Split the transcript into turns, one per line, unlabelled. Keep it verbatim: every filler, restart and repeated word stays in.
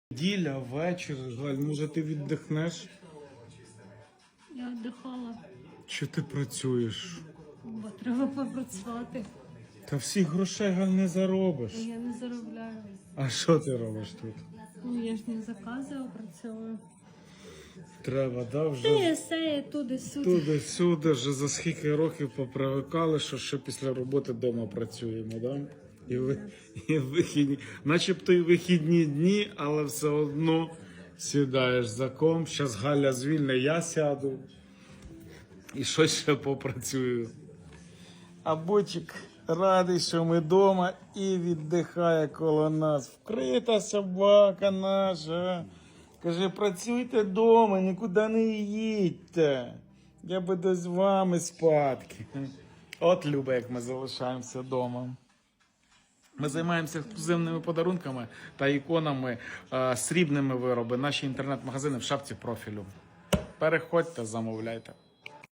Неділя, вечір, Галь, може ти віддихнеш?
Я віддихала,
Чи ти працюєш?
бо треба попрацювати.
Та всіх грошей, Галь, не заробиш.
Я не заробляю.
А що ти робиш тут?
Ну, я ж не закази опрацьовую.
Треба, да, вже
Ти все, туди-сюди.
туди-сюди, вже за скільки років попривикали, що ще після роботи вдома працюємо, да? І, ви, і вихідні, начебто і вихідні дні, але все одно сідаєш за комп. Щас Галя звільне, я сяду і щось ще попрацюю. А Бочик радий, що ми вдома і віддихає коло нас. Вкрита собака наша. Каже, працюйте вдома, нікуди не їдьте. Я буду з вами спадки. От любе, як ми залишаємося вдома. Ми займаємося ексклюзивними подарунками та іконами, е, срібними вироби. Наші інтернет-магазини в шапці профілю. Переходьте, замовляйте.